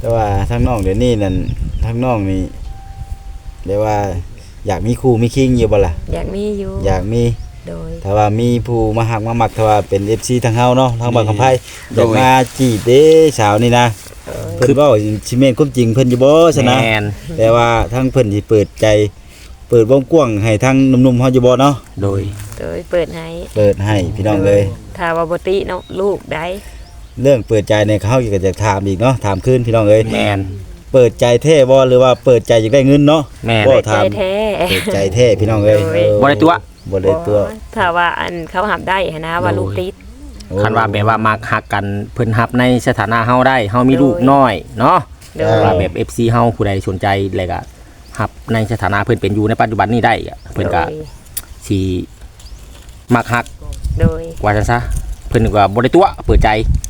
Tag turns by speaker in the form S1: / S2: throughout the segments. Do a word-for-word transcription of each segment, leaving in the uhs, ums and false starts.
S1: แต่ว่าทั้งน้องเดี๋ยวนี้นั่นทั้งน้องนี่เรียกว่าอยากมีครูมีคิงอยู่บ่ล่ะ
S2: อยากมีอยู่
S1: อยากมี
S2: โดย
S1: ถ้าว่ามีผู้มาหักมามักถ้าว่าเป็น เอฟ ซี ทางเฮาเนาะทางบ้านคำไผอยากมาจีบเด้สาวนี่นะเพิ่นเว้าสิแม่นความจริงเพิ่นอยู่บ่ซะนะแต่ว่าทางเพิ่นสิเปิดใจเปิดวงกว้างให้ทางหนุ่มๆเฮาอยู่บ่เนาะ
S3: โดย
S2: โดยเปิดให้
S1: เปิดให้พี่น้องเลย
S2: ถ้าว่าบ่ติเนาะลูกได้
S1: เรื่องเปิดใจเนี่ยเขาก็จะถามอีกเนาะถามขึ้นพี่น้องเอ้ย
S3: แม่น
S1: เปิดใจแท้บ่หรือว่าเปิดใจอยากได้เงินเนาะ
S3: แม่น
S2: เปิดใจแท้
S1: เปิดใจแท้พี่น้องเอ้ย
S3: บ่ได้ตัว
S1: บ่ได้ตัว
S2: ถ้าว่าอันเขาหับได้นะว่าลูกติด
S3: คันว่าแบบว่ามักฮักกันเพิ่นฮับในสถานะเฮาได้เฮามีลูกน้อยเนาะว่าแบบ เอฟ ซี เฮาผู้ใดสนใจแล้วก็ฮับในสถานะเพิ่นเป็นอยู่ในปัจจุบันนี้ได้เพิ่นก็สิมักฮัก
S2: โดย
S3: ว่าซั่นซะเพิ่นก็บ่ได้ตัวเปิดใจ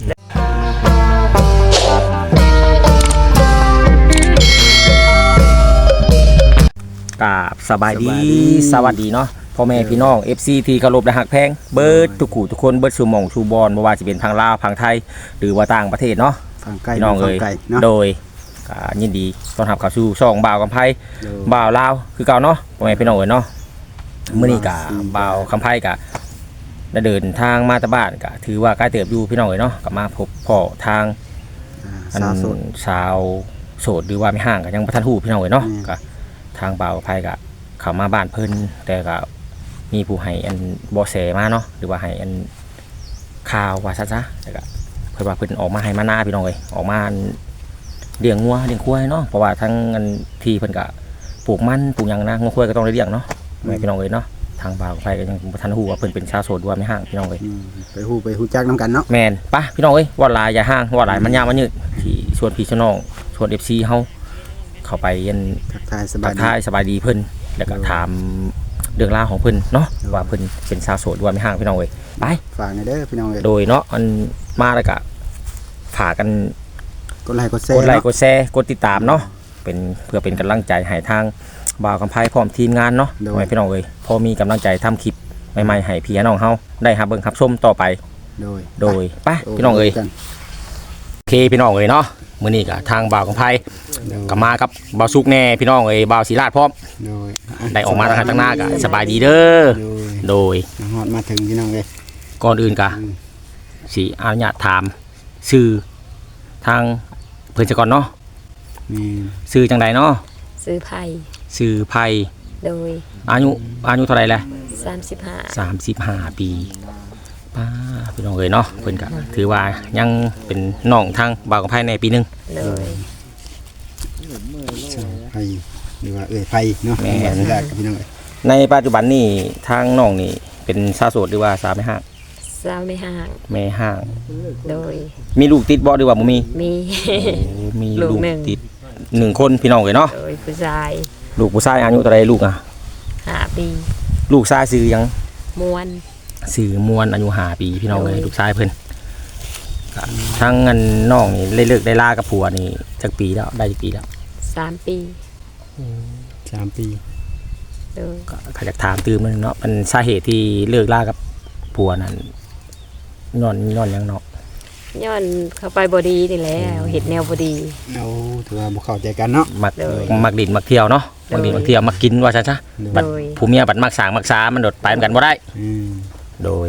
S3: กราบสบายดีสวัสดีเนาะพ่อแม่พี่น้อง เอฟ ซี ที่เคารพและฮักแพงเบิดทุกคู่ทุกคนเบิดสู่หม่องสู่บอนบ่ว่าสิเป็นทางลาวทางไทยหรือว่าต่างประเทศเนาะพี่น้องเอ้ยโดยก็ยินดีต้อนรับเข้าสู่ช่องบ่าวกำไพบ่าวลาวคือเก่าเนาะพ่อแม่พี่น้องเอ้ยเนาะมื้อนี้ก็บ่าวกำไพก็ได้เดินทางมาตะบ้านก็ถือว่าใกล้เติบอยู่พี่น้องเอ้ยเนาะก็มาพบพ่อทางสาวโสดสาวโสดหรือว่าไม่ห่างก็ยังบ่ทันฮู้พี่น้องเอ้ยเนาะก็ทางบ่าวกำไพก็เข้ามาบ้านเพิ่นแต่ก็มีผู้ให้อันบ่แสมาเนาะหรือว่าให้อันข่าวว่าซั่นซะแล้วก็เพิ่นว่าเพิ่นออกมาให้มาหน้าพี่น้องเอ้ยออกมาเลี้ยงงัวเลี้ยงควายเนาะเพราะว่าทั้งอันที่เพิ่นก็ปลูกมันปลูกหยังนะงัวควายก็ต้องได้เลี้ยงเนาะแม่พี่น้องเอ้ยเนาะทางบ่าวไผก็ยังบ่ทันฮู้ว่าเพิ่นเป็นชาวโสดด้วยไม่ห่างพี่น้องเอ้ย
S4: ไปฮู้ไปฮู้จักนำกันเนาะ
S3: แม่นปะพี่น้องเอ้ยว่าหลายอย่าห่างว่าหลายมันยาวมันยืดที่ชวนพี่ชวนน้องชวน เอฟ ซี เฮาเข้าไปยัน
S4: ทักทายสบายดี
S3: ทักทายสบายดีเพิ่นแล้วก็ถามเรื่องราวของเพิ่นเนาะว่าเพิ่นเป็นชาวโสดด้วยไม่ห่างพี่น้องเอ้ยไป
S4: ฝากในเด้อพี่น้องเอ้ย
S3: โดยเนาะอันมาแล้วก็ฝากกัน
S4: กดไลค์กดแชร์
S3: กดไลค์กดแชร์กดติดตามเนาะเป็นเพื่อเป็นกำลังใจให้ทางบ่าวกำไพพร้อมทีมงานเนาะให้พี่น้องเอ้ยพอมีกำลังใจทำคลิปใหม่ๆให้พี่น้องเฮาได้รับเบิ่งรับชมต่อไป
S4: โดย
S3: โดยไปพี่น้องเอ้ยโอเคพี่น้องเอ้ยเนาะมื้อนี้ก็ทางบ่าวกำไพก็มากับบ่าวสุกแน่พี่น้องเอ้ยบ่าวศรีราชพร้อม
S4: โดย
S3: ได้ออกมาทางข้างหน้าก็สบายดีเด้อโดย
S4: ฮอดมาถึงพี่น้องเอ้ย
S3: ก่อนอื่นก็สิอนุญาตถามชื่อทางเพิ่นซะก่อนเนาะ
S4: นี่
S3: ชื่อจังไดเนาะ
S2: ซื้อไผ่
S3: ชื่อไผ่
S2: โดย
S3: อายุอายุเท่าไหร่แหละ
S2: สามสิบห้า
S3: สามสิบห้าปีป้าพี่น้องเอ้ยเนาะเพิ่นก็ถือว่ายังเป็นน้องทางบ่าวกำไพในปีนึง
S2: เลย
S4: ไผ่หรือว่าเอ้ยไผ่เนาะแม่นได้กับพี่น้องเอ้ย
S3: ในปัจจุบันนี่ทางน้องนี่เป็นสาวโสดหรือว่าสาวไม่ห่าง
S2: สาวไม่ห่าง
S3: ไม่ห่าง
S2: โดย
S3: มีลูกติดบ่หรือว่าบ่มี
S2: มี
S3: มีลูกติดหนึ่งคนพี่น้องเอ้ยเนาะ
S2: โดยผู้ชาย
S3: ลูกผู้ชายอายุเท่าไรลูกอ่ะ
S2: ห้าปี
S3: ลูกชายชื่อยัง
S2: มวน
S3: ชื่อมวนอายุห้าปีพี่น้องเอ้ยลูกชายเพิ่นทั้งเงินน้องนี่เลิกได้ลากับผัวนี่จักปีแล้วได้จักปีแล้ว
S2: สามปี
S4: สามปี
S2: เออ
S3: ก็อยากถามตื่มนึงเนาะเป็นสาเหตุที่เลิกลากับผัวนั่นย้อนย้อนยังเนาะ
S2: ย้อนเข้าไปบ่ดีนี่แหละเฮ็ดแนวบ่ดี
S4: เอาถือว่าบ่เข้าใจกันเนาะ
S3: มักมักดินมักเที่ยวเนาะมักดินมักเที่ยวมักกินว่าซั่นซะบัดผู้เมียบัดมักสร้างมักษามันโดดไปเหมือนกันบ่ได้
S4: อืม
S3: โดย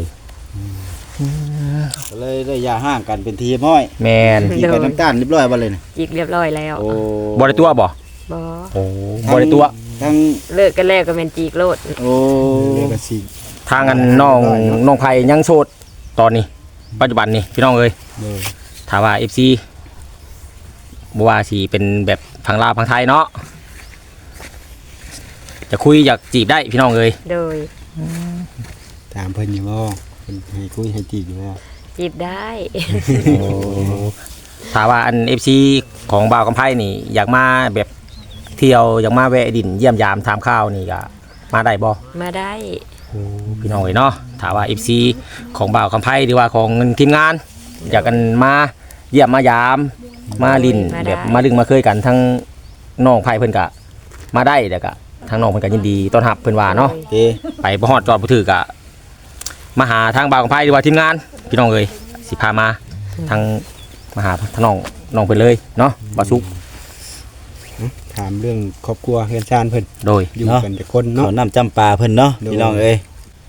S1: ก็เลยได้ย่าห่างกันเป็นทีม้อย
S3: แม่น
S1: จีกันน้ำตาลเรียบร้อยบ่เลยน่ะ
S2: จีกเรียบร้อยแล้ว
S1: โอ้
S3: บ่ได้ตัวบ่
S2: บ่
S3: โอ้บ่ได้ตัว
S1: ทั้ง
S2: เลิกกันแล้วก็แม่นจีกโลด
S1: โอ้
S4: เลิกกันสิ
S3: ทางอันน้องน้องไผยังโสดตอนนี้ปัจจุบันนี่พี่น้องเอ้ยถ้าว่า เอฟ ซี บ่ว่าสิเป็นแบบทางลาวทางไทยเนาะจะคุยอยากจีบได้พี่น้องเอ้ย
S2: โดย
S4: ถามเพิ่นอยู่บ่เพิ่นให้คุยให้จีบอยู่บ่
S2: จีบได้
S3: โอ้ถ้าว่าอัน เอฟ ซี ของบ่าวกำไพนี่อยากมาแบบเที่ยวอยากมาแวะดินเยี่ยมยามถามข้าวนี่ก็มาได้บ่
S2: มาได้
S3: พี่น้องเอ้ยเนาะถ้าว่า เอฟ ซี ของบ่าวกำไพหรือว่าของทีมงานอยากกันมาเยี่ยมมายามมาลินแบบมาดึงมาเคยกันทั้งน้องไผ่เพิ่นกะมาได้แต่กะทั้งน้องเพิ่นกะยินดีต้อนรับเพิ่นว่าเนาะไปบ่ฮอดจอดบ่ถือกะมาหาทางบ่าวกำไพหรือว่าทีมงานพี่น้องเอ้ยสิพามาทางมาหาทางน้องน้องเพิ่นเลยเนาะบ่สุก
S4: ถามเรื่องครอบครัวเฮือนชานเพิ่น
S3: โดย
S4: อยู่กันแต่คนเนาะ
S1: เขาน้ำจำปาเพิ่นเนาะ
S4: โดย
S1: พี่น้องเอ้ย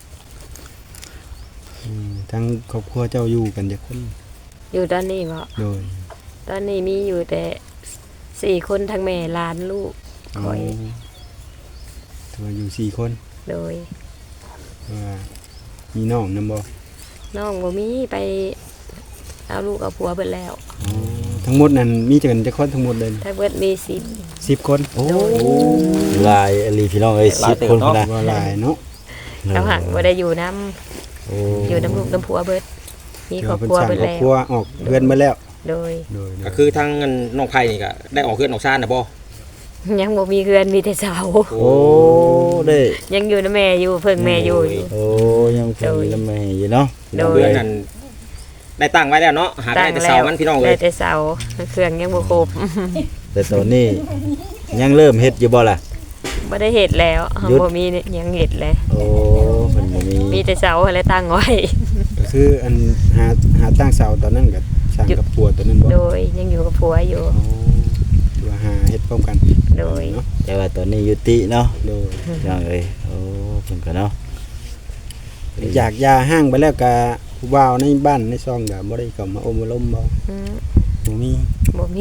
S4: อืมทั้งครอบครัวเจ้าอยู่กันแต่คน
S2: อยู่ตอนนี้บ่
S4: โดย
S2: ตอนนี้มีอยู่แต่สี่คนทั้งแม่หลานลูกคอย
S4: ตัวอยู่สี่คน
S2: โดย
S4: ว่ามีน้องนำบ่
S2: น้องบ่มีไปเอาลูกเอาผัวเบิดแล้ว
S4: อ๋อทั้งหมดนั้นมีจักกันจักคนทั้งหมดเลย
S2: ถ้าเบิดมีสิบ
S4: สิบคน
S1: โอ้ลายอลีพี่น้องเอ้ยสิบคนพุ่นนะ
S4: ว่าหลายเนาะ
S2: เขาหังบ่ได้อยู่นํ
S1: โอ้
S2: อยู่น้ำลูกน้ำผัวเบิดมีครอบครัว
S4: เพิ่น
S2: เบิด
S4: สร้างครอบ
S2: แล้ว
S4: ครัวออกเรือนมาแล้ว
S2: โดย
S4: โดย
S3: ก็คือทางน้องไผ่นี่ก็ได้ออกเฮือนออกซ่านน่ะบ่
S2: ยังบ่มีเรือนมีแต่เสา
S1: โอ้ได้
S2: ยังอยู่นะแม่อยู่เพิ่งแม่อยู่อยู่
S1: โอ้ยังคงมีลำแม่อยู่เนาะ
S2: โดย
S3: เฮือนนั้นได้ตั้งไว้แล้วเนาะหาได้แต่เสามันพี่น้องเอ้
S2: ได้
S3: ย
S2: แต่เสาเครื่องยังบ่ครบ
S1: แต่ตอนนี้ยังเริ่มเฮ็ดอยู่บ่ล่ะ
S2: บ่ได้เฮ็ดแล้ว
S1: หยุด
S2: บ่มียังเฮ็ดเลย
S1: โอ้เพิ่นบ่มี
S2: มีแต่เสาอะไรตั้งไว้
S4: ก็คืออันหาหาตั้งเสาตอนนั้นก็สร้างกับปัวตัวนั้นบ่
S2: โดยยังอยู่กับผัวอยู่
S4: อ๋อตัวหาเฮ็ดพร้อมกัน
S2: โดย
S4: เนาะ
S1: แต่ว่าตอนนี้ยุติเนาะ
S4: โดย
S1: พี่น้องเอ้ยโอ้เพิ่นก็เนาะ
S4: อยากยาห้างไปแล้วก็ผู้บ่าวในบ้านในซองก็บ่ได้เข้ามาอมมาล้มบ่
S2: อืม
S4: บ่มี
S2: บ่มี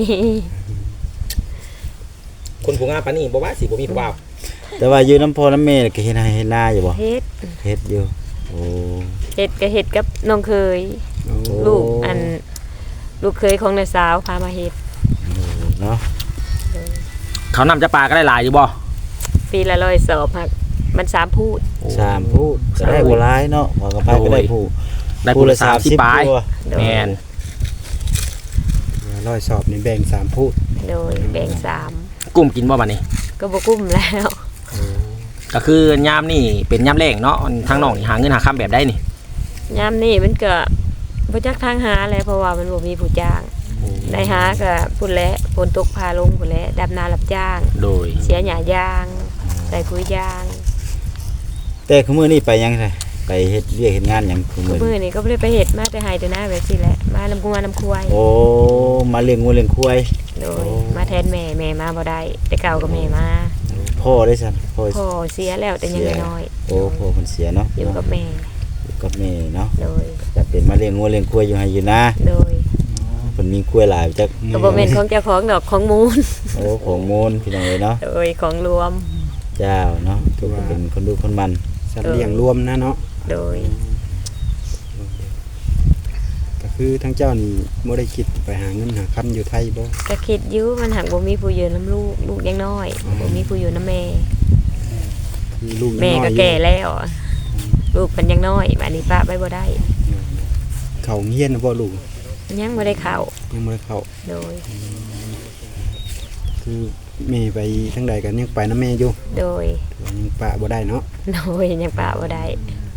S3: คนผู้งามปานนี้บ่ว่าสิบ่มีผู้บ่าว
S1: แต่ว่าอยู่น้ำพ่อน้ำแม่ก็เฮ็ดให้เฮ็ดนาอยู่บ่
S2: เฮ็ด
S1: เฮ็ดอยู่โอ้
S2: เฮ็ดก็เฮ็ดกับน้องเคย
S4: โอ้
S2: ลูกอันลูกเคยของน้าสาวพามาเฮ็ด
S1: เนาะ
S3: เขานำจะปลาก็ได้หลายอยู่บ่
S2: ปีละร้อยสอบหักมันสามพูด
S1: สามผู้ก็ได้บ่หลายเนาะว่ากับไผก็ได้ผู้
S3: ได้ผู้ละสามสิบปลาย
S1: ตัว
S2: โดย
S3: แม่น
S4: ร้อยสอบนี่แบ่งสามพูด
S2: โดยแบ่งสาม
S3: กุ้มกินบ่บัดนี้
S2: ก็บ่กุ้มแล้ว
S3: ก็คือยามนี่เป็นยามแรงเนาะทางน้องนี่หาเงินหาค้ำแบบได้นี่
S2: ยามนี้มันก็บ่จักทางหาแหละเพราะว่ามันบ่มีผู้จ้างได้หาก็พุ่นแหละฝนตกพาลงพุ่นแหละดำนารับจ้าง
S3: โดย
S2: เสียหญ้ายางใส่ปุ๋ยยาง
S1: แต่คือมื้อนี้ไปยังไงไปเฮ็ดเรียกเฮ็ดงานหยังคือ
S2: ก็
S1: มื้อ
S2: มื้อ
S1: นี้
S2: นี้ก็บ่ได้ไปเฮ็ดมาแต่ไห้แต่นาแบบซี่แหละมานำกัวน้ำควาย
S1: โอ้มาเลี้ยงงูเลี้ยงควาย
S2: โดยมาแทนแม่แม่มาบ่ได้แต่เก่าก็แม่มา
S1: พ่อได้ซั่นพ่อ
S2: พ่อเสียแล้วแต่ยังน้อย
S1: โอ้พ่อเพิ่นเสียเนาะ
S2: อยู่กับแม่
S1: อยู่กับแม่เนาะ
S2: โดย
S1: จะเป็นมาเลี้ยงงูเลี้ยงควายอยู่ให้อยู่นะ
S2: โดย
S1: เพิ่นมีควายหลายจัก
S2: ก็บ่แม่นของเจ้าของดอกของมูล
S1: โอ้ของมูลพี่น้องเอ้ยเนาะ
S2: โดยของรวม
S1: เจ้าเนาะทุกคนเป็นคนดูคนมัน
S4: สัตว์เลี้ยงรวมนะเนาะ
S2: โดย
S4: ก็คือทั้งเจ้านี่บ่ได้คิดไปหาเงินหาคำอยู่ไทยบ่
S2: ก็คิดอยู่มันหักบ่มีผู้อยู่นํลูกลูกยังน้อยบ่มีผู้อยู่นํแม่
S4: คือลูกยัง
S2: แม่
S4: น้อย
S2: ก็
S4: อยู่
S2: แก่แล้ว ลูกเพิ่นยังน้อยบัดนี้ป้าไว้บ่ได้
S4: เขาเฮียนบ่ลูก
S2: ยังบ่ได้เข้า
S4: ยังบ่ได้เข้า
S2: โดย
S4: คือแม่ไปทางใดกันยังไปนํแม่อยู่
S2: โดย
S4: แต่ว่ายังปะบ่ได้เนาะ
S2: โดยยังป้าบ่ได้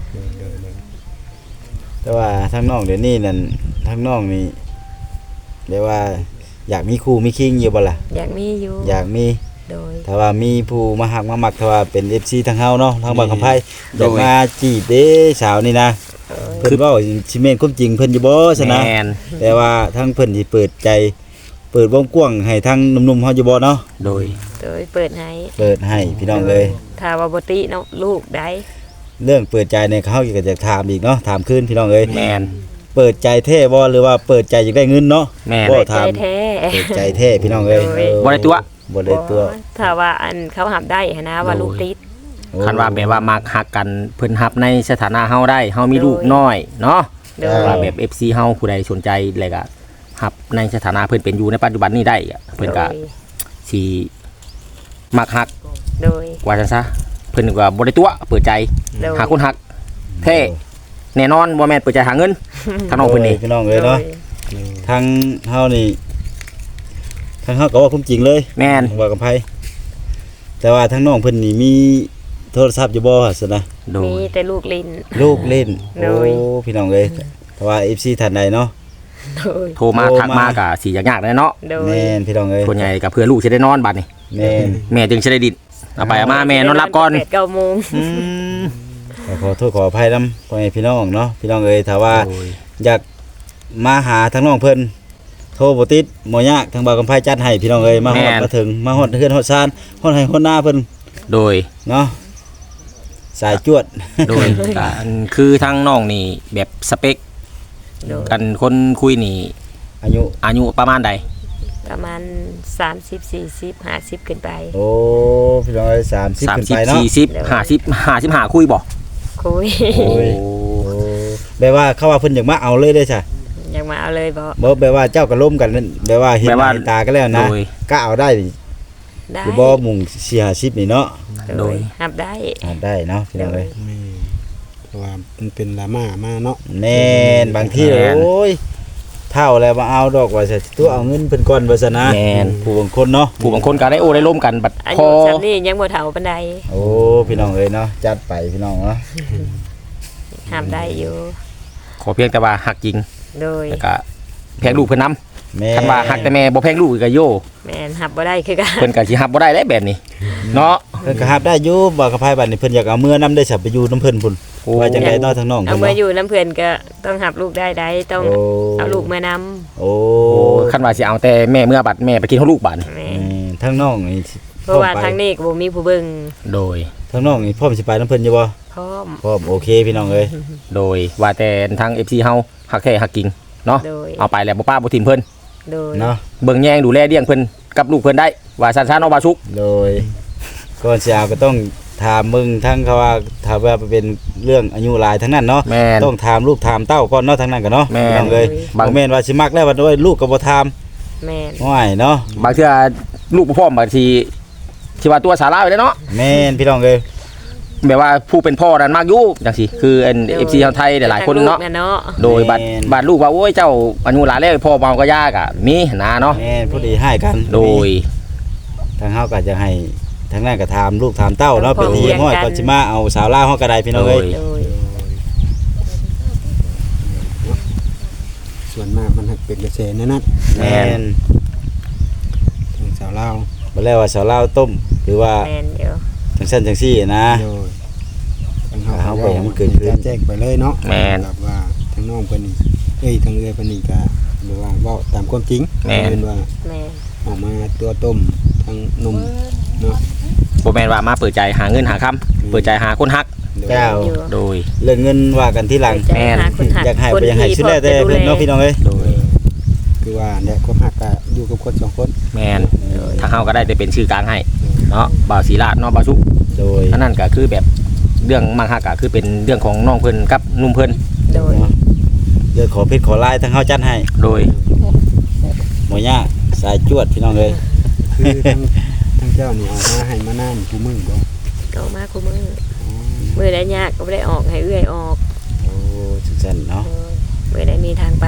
S1: แต่ว่าทางน้องเดี๋ยวนี้นั่นทางน้องนี่เรียกว่าอยากมีครูมีคิงอยู่บ่ล่ะ
S2: อยากมีอยู่
S1: อยากมี
S2: โดย
S1: ถ้าว่ามีผู้มาหักมามักถ้าว่าเป็น เอฟ ซี ทางเฮาเนาะทางบางคำไผอยากมาจีบเด้สาวนี่นะ
S2: โดย
S1: เพิ่นเว้าสิแม่นความจริงเพิ่นอยู่บ่ซะนะ
S3: แม่น
S1: แต่ว่าทางเพิ่นสิเปิดใจ เปิดวงกว้างให้ทางหนุ่มๆเฮาอยู่บ่เนาะ
S3: โดย
S2: โดยเปิดให้
S1: เปิดให้พี่น้องเลย
S2: ถ้าว่าบ่ติเนาะลูกได้
S1: เรื่องเปิดใจเนี่ยเขาก็จะถามอีกเนาะถามคืนพี่น้องเอ้ย
S3: แม่น
S1: เปิดใจแท้บ่หรือว่าเปิดใจอยากได้เงินเนาะ
S3: แม่น
S1: บ่
S2: ใจ
S1: ถาม
S2: แท้
S1: เปิดใจแท้พี่น้องเอ้ย
S2: โดย
S1: เออ
S3: บ่ได้ตัว
S1: บ่ได้ตัว
S2: ถ้าว่าอันเขาหับได้หั้นนะว่าลูกติด
S3: คันว่าแบบว่ามักฮักกันเพิ่นฮับในสถานะเฮาได้เฮามีลูกน้อยเนาะ
S2: โดย
S3: ว่าแบบ เอฟ ซี เฮาผู้ใดสนใจแล้วก็ฮับในสถานะเพิ่นเป็นอยู่ในปัจจุบันนี้ได้อะเพิ่นก็
S2: โดย
S3: สิมักฮัก
S2: โดย
S3: ว่าจังซะเพิ่นก็บ่ได้ตัวเปิดใจ
S2: โดย
S3: หาคนฮักแท้แน่นอนบ่แม่นเปิดใจหาเงินทางน้องเพิ่นนี่
S1: พี่น้องเอ้ยเนาะทางเฮานี่ทางเฮาก็ว่าความจริงเลย
S3: แม่น
S1: ว่ากับไผแต่ว่าทางน้องเพิ่นนี่มีโทรศัพท์อยู่บ่ซั่นนะ
S3: โด
S2: มี
S3: ย
S2: แต่ลูกลิน
S1: ลูกเล่น
S2: โด
S1: โอ้
S2: ย
S1: พี่น้องเอ้ยแต่ว่า เอฟ ซี ท่านใดเนาะ
S2: โดย
S3: โทรมา
S1: โทร
S3: ทัก
S1: มา
S3: มาก็สิยากๆแน่เนาะ
S2: โดย
S1: แม่นพี่น้องเอ้ย
S3: ส่วนใหญ่ก็เพื่อลูกสิได้นอนบัดนี้
S1: แม่น
S3: แม่จึงสิได้ดินเอาไปเอามาแม่นอนรับก่อน
S2: แปดเก้าโมง
S3: อืม
S1: ก็ขอโทษขออภัยนำพ่อแม่พี่น้องเนาะพี่น้องเอ้ยถ้าว่า
S3: โดย
S1: อยากมาหาทางน้องเพิ่นโทรบ่ติดบ่ยากทางบ่าวกำไพจัดให้พี่น้องเอ้ยมาฮอดมาถึงมาฮอดเฮือนฮอดซานฮอดให้ฮอดหน้าเพิ่น
S3: โดย
S1: เนาะสายจวด
S3: โดยการคือทางน้องนี่แบบสเปค
S2: โดย
S3: กันคนคุยนี่
S1: อายุ
S3: อายุประมาณใด
S2: ประมาณสามสิบ สี่สิบ ห้าสิบขึ้นไป
S1: โอ้พี่น้องเอ้ยสามสิบขึ้น
S3: สามสิบ
S1: ไปเนาะ
S3: สี่สิบห้าสิบห้าสิบห้าคุยบ่
S2: คุย
S1: โอ้ย โอ้แปลว่าเขาว่าเพิ่นอยากมาเอาเลยเด้อจ้ะ
S2: อยากมาเอาเลยบ่
S1: บ่แปลว่าเจ้าก็ล้มกันนั่นแปลว่าเห็นหน้าเห็นตากันแล้วนะ
S3: โดย
S1: ก็เอาได้นี่
S2: ได้
S1: หรือบ่หมุ่งสี่ห้าสิบนี่เนาะ
S3: โดย
S2: หับได้
S1: อ่าได้เนาะพี่น้องเอ้ย
S4: แม่เพราะว่ามันเป็นลาม่ามาเนาะ
S1: แน่นบางทีโอ้ยเท่าแล้วมาเอาดอกว่าจะตัวเอาเงินเพิ่นก่อนว่าซะนะ
S3: แม่น
S1: ผู้บางคนเนาะ
S3: ผู้บางคนก็ได้โอได้ร่มกันบัด
S2: อา
S3: พ
S2: ยุ
S3: อ
S2: จำนี่ยังบ่เฒ่าปานใด
S1: โอ้พี่น้องเอ้ยเนาะจัดไปพี่น้องเนาะ
S2: หับได้อยู่
S3: ขอเพียงแต่ว่าหักจริง
S2: โดย
S3: แล้วก็แพงลูกเพิ่นนำ
S1: แม่
S3: คันว่าหักแต่แม่บ่แพงลูกก็โย
S2: แม่นหับบ่ได้คือกัน
S3: เพิ่นก็สิหับบ่ได้แล้วแบบนี้เนาะ
S1: เพิ่นก็รับได้อยู่บ่กระพายบัดนี้เพิ่นอยากเอาเมื่อนํได้สับไปอยู่น้ำเพิ่นพุ่น
S3: โอ้
S1: ว่าจังได๋เนาะทางน้อง
S2: เอา
S1: เพิ่น
S2: มา
S1: เนาะ
S2: อยู่น้ำเพื่อนก็ต้องหับลูกได้ได้ต้อง
S1: โอ้
S2: เอาลูกมานำ
S1: โอ้
S3: โอ้คันว่าสิเอาแต่แม่เมื่อบัดแม่ไปกินของลูกบัดนี่
S2: แม่
S1: อืมทางน้องนี่
S2: เพราะว่าทางนี้ก็บ่มีผู้เบิ่ง
S3: โดย
S1: ทางน้องนี่พร้อมสิไปน้ำเพิ่นอยู่บ่
S2: พร้อม
S1: พร้อมโอเคพี่น้องเอ้ย
S3: โดยว่าแต่ทาง เอฟ ซี เฮาหักแท้หักจริงเนาะ
S2: โดย
S3: เอาไปแล้วบ่ป้าบ่ทิมเพิ่น
S2: โดย
S1: เนาะ
S3: เบิ่งแยงดูแลเลี้ยงเพิ่นกับลูกเพิ่นได้ว่าซั่นๆเนาะบ่าสุก
S1: โดยก่อนสิเอาก็ต้องถามมึงทั้งเขาว่าถ้าว่าเป็นเรื่องอายุหลายทั้งนั้นเนาะ
S3: แม่น
S1: ต้องถามลูกถามเต้าก่อนเนาะทั้งนั้นก็เนาะ
S3: แม่น
S1: พี่น้องเอ้ย
S3: บาง
S1: บ่แม่นว่าสิมักแล้วว่าด้วยลูกก็บ่ถาม
S2: แม่น
S1: ง่ายเนาะ
S3: บางเทื่อลูกบ่พร้อมบางทีสิว่าตัวสาระอยู่เด้เนาะ
S1: แม่นพี่น้องเอ้ย
S3: แบบว่าผู้เป็นพ่อนั้นมากอยู่จังซี่คืออัน เอฟ ซี ชาวไทยหลายๆคนเนาะ
S2: ทงลูกเนาะ
S3: โดยบัดบัดลูกว่าโอ้ยเจ้าอายุหลายแล้วพ่อเมาก็ยากอ่ะมีนะเนาะ
S1: แม่นผู้ดีให้กัน
S3: โดย
S1: ทางเฮาก็จะให้ทางนั้นก็ถามลูกถามเต้าเนาะเป็นที่ห้อยก่อนสิมาเอาสาวลาวเฮาก็ได้พี่น้องเอ้ย
S2: โดย
S4: ส่วนมากมันหักเป็นกระแสแนั่นนั่น
S1: แม่น
S4: ทางสาวลาว
S1: บ่แล้วว่าสาวลาวต้มหรือว่า
S2: แม่นเดี๋ยว
S1: จังซั่นจังซี่นะ
S4: โดยทาง
S1: เอาไปให้มันเกิดขึ้น
S4: แจ้งไปเลยเนาะ
S3: แม่น
S4: แบบว่าทางน้องเพิ่นนี่เอ้ยทางเอื้อยเพิ่นนี่ก็แบบว่าเว้าตามความจริง
S3: แม่น
S4: เพิ่นว่า
S2: แม่น
S4: ออกมาตัวต้มทางนมเนาะ
S3: บ่แม่นว่ามาเปิดใจหาเงินหาคำเปิดใจหาคนฮัก
S4: โดย
S1: เจ้า
S2: อยู่
S3: โดย
S1: เรื่องเงินว่ากันที่หลัง
S2: ใจหาคนหัก
S1: อยากให้
S2: คน
S1: ไปอยากให้
S2: ที่
S1: สุดแล้วแต่
S2: พอจะ
S1: เพิ่นเนาะพี่น้องเอ้ย
S3: โดย
S4: คือว่าเนี่ยความหักก็อยู่กับคนสองคน
S3: แม่นทางเฮาก็ได้แต่เป็นชื่อกลางให้เนาะบ่าวศรีราชเนาะบ่าวสุก
S1: โดย
S3: อันนั้นก็คือแบบเรื่องมังฮักก็คือเป็นเรื่องของน้องเพิ่นกับหนุ่มเพิ่น
S2: โดย
S1: เดี๋ยวขอเพชรขอลายทางเฮาจัดให้
S3: โดย
S1: บ่ยากสายจวดพี่น้องเอ้ย
S4: คือทางทางเจ้านี่ออกมาให้มานานกูมึงบ่
S2: ก็มาคู่มือมือได้ยากก็บ่ได้ออกให้เอื้อยออก
S1: โอ้จังซั่นเนาะ
S2: โดยมือได้มีทางไป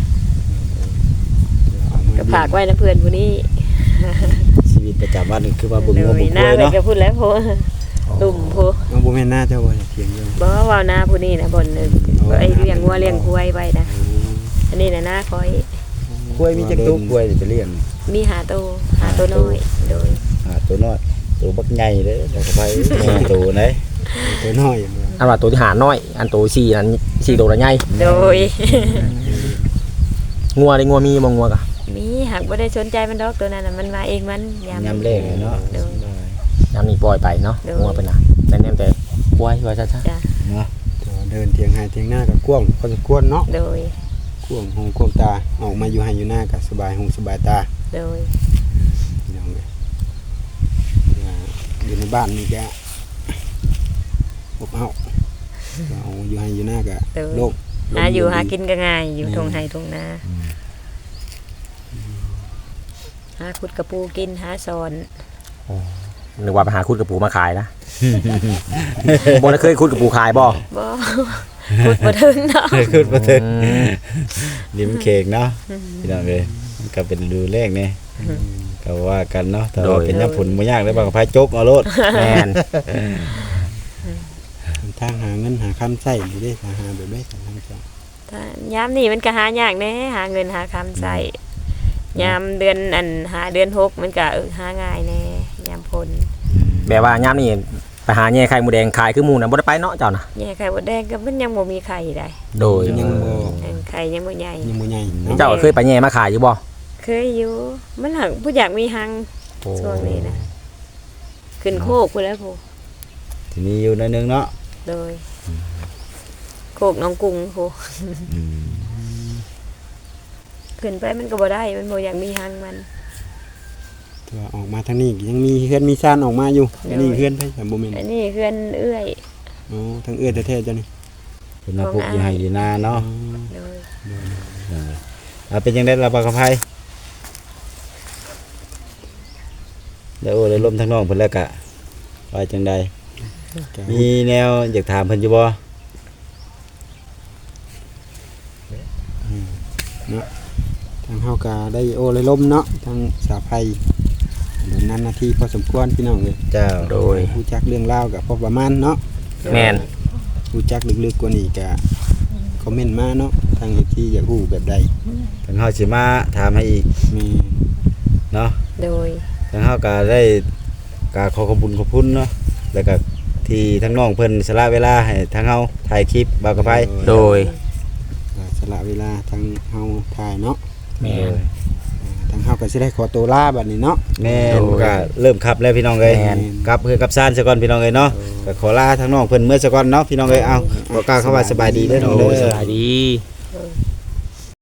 S4: ออกมา
S2: ก็ฝากไว้นะเพื่อนผู้นี้
S1: ชีวิตประจำวันนี่คือว่าบึง
S2: โด
S1: งม
S2: ย
S1: บุก
S2: หน้า
S1: เลย
S2: ไป
S1: เนาะ
S2: ก็พูดแล้วโพตุ่มโพ
S4: เอาบ่แม่นหน้าเจ้าบ่เถียงอยู่
S2: บ่ว่าหน้าผู้นี้นะบนหนึ่งไอ้เลี้ยงวัวเลี้ยงควายไว้นะอันนี้นะหน้าคอย
S1: กล้วยมีจักตัวกล้วยนี่ไปเลี้ยง
S2: มีหาโตหาโตน้อยโดย
S1: หาตัวน้อยตัวบักใหญ่เด้อบ่ไปตัวไหน
S4: ตัวน้อยอย่างเดียว
S3: อันว่าตัวที่หาน้อย อันตัวสี่นั้นสี่ตัวละใหญ่
S2: โดย
S3: งัวได้งัวมีบ่งัวกะ
S2: มีหากบ่ได้สนใจมันดอกตัวนั้นน่ะมันมาเองมันยาม
S1: ยามแรกเนาะ
S2: โดย
S3: ยามนี้ปล่อยไปเนาะ
S2: โดย
S3: งัวเพิ่นน่ะแม่นๆแต่ควายว่าซะ
S2: จ้ะ
S1: เนาะ
S4: ตัวเดินเถียงให้เถียงหน้ากับกว้างพอสมควรเนาะ
S2: โดย
S4: กว้างหูกว้างตาออกมาอยู่ให้อยู่หน้ากับสบายหูสบายตา
S2: โดย
S4: พี่น้องเอ้ยว่าอยู่ในบ้านนี่แกอบเอาเอาอยู่ให้อยู่หน้ากับ
S2: โดย
S4: โลก
S2: หาอยู่หากินก็ง่ายอยู่ทงไห้ทงนาหาขุดกระปูกินหาสอน
S3: ๆนึกว่าไปหาคุดกระปูมาขายนะ บ่ได้เคยคุดกระปูขายบ่
S2: บ่ขุดบ่ถึงเนาะ
S1: เคยขึ้นมาถึง
S3: อืม
S1: ริมเค้กเนาะพี่น้องเอ้ยมันก็เป็นดูแรกนี่ก็ว่ากันเนาะแต่ว่าเป็นยามผลบ่ยากเลยบางพายจกเอาโลด
S3: แม่น
S4: ทางหาเงินหาคำใส่อยู่ได้หาแบบได้ทางเจ้า
S2: ถ้ายามนี้มันก็หายากแน่หาเงินหาคำใส่ยามเดือนอันหาเดือนหกมันก็เออหาง่ายแน่ยามพล
S3: แบบว่ายามนี้ไปหาแย่ไข่หมูแดงขายคือหมูน่ะบ่ได้ไปเนาะเจ้าน่ะ
S2: แย่ไข่มดแดงก็มันยังบ่มีไข่ได้
S3: โดย
S4: ยังบ่
S2: เออไข่ยังบ่ใหญ่
S4: ยังบ่ใหญ่เนาะ
S3: เจ้าเคยไปแย่มาขายอยู่บ่
S2: เคยอยู่มันหักผู้อยากมีหัง
S1: โอ้
S2: ช่วงนี้นะขึ้นโคกไปแล้วผู้
S1: ทีนี้อยู่หนิดนึงเนาะ
S2: โดยโคกน้องกุ้งผู้
S1: อืม
S2: ขึ้นไปมันก็บ่ได้มันบ่อยากมีหังมัน
S4: ตัวออกมาทางนี้ยังมีเฮือนมีซ่านออกมาอยู่อันนี้เฮือนไผแต่บ่แม่น
S2: อันนี้เพื่อนเอื้อย
S4: โอ้ทางเอื้อแท้ๆจ้ะนี่
S1: เพิ่นมาปลูกอยู่ให้อยู่นาเนาะ
S2: โดย
S1: เออเอาเป็นจังได๋ล่ะบ่าวคำไผแล้วโอ้ได้ลมทางน้องเพิ่นแล้วก็ว่าจังได
S4: ก็
S1: มีแนวอยากถามเพิ่นอยู่บ่
S4: ทางเฮาก็ได้โอ้เลยล้มเนาะทางสาไผเดี๋ยวนั้นหน้าที่พอสมควรพี่น้องเอ้ย
S1: เจ้า
S3: โดย
S4: รู้จักเรื่องราวก็พอประมาณเนาะ
S3: แม่น
S4: รู้จักลึกๆกว่านี้ก็คอมเมนต์มาเนาะทางที่อยากรู้แบบใด
S1: ทางเฮาสิมาถามให้อีก
S4: แม่
S1: เนาะ
S2: โดย
S1: ทางเฮาก็ได้ก็ขอขอบคุณขอบคุณเนาะแล้วก็ที่ทั้งน้องเพิ่นสละเวลาให้ทางเฮาถ่ายคลิปบ่าวกับไผ
S3: โดย
S4: ก็สละเวลาทางเฮาถ่ายเนาะ
S3: แม่น
S4: ทางเฮาก็สิได้ขอตัวลาบัดนี้เนาะ
S1: แม่น
S3: โดย
S1: ก็เริ่มขับแล้วพี่น้องเอ้ย
S3: แม่น
S1: กลับคือกับซ่านซะก่อนพี่น้องเอ้ยเนาะก็ขอลาทางน้องเพิ่นเมื่อซะก่อนเนาะพี่น้องเอ้ยเอาบ่กล้าเข้าว่าสบายดีเด้อน้อง
S3: โด
S1: เด้
S3: ยส
S1: อ
S3: บายดี
S2: โดย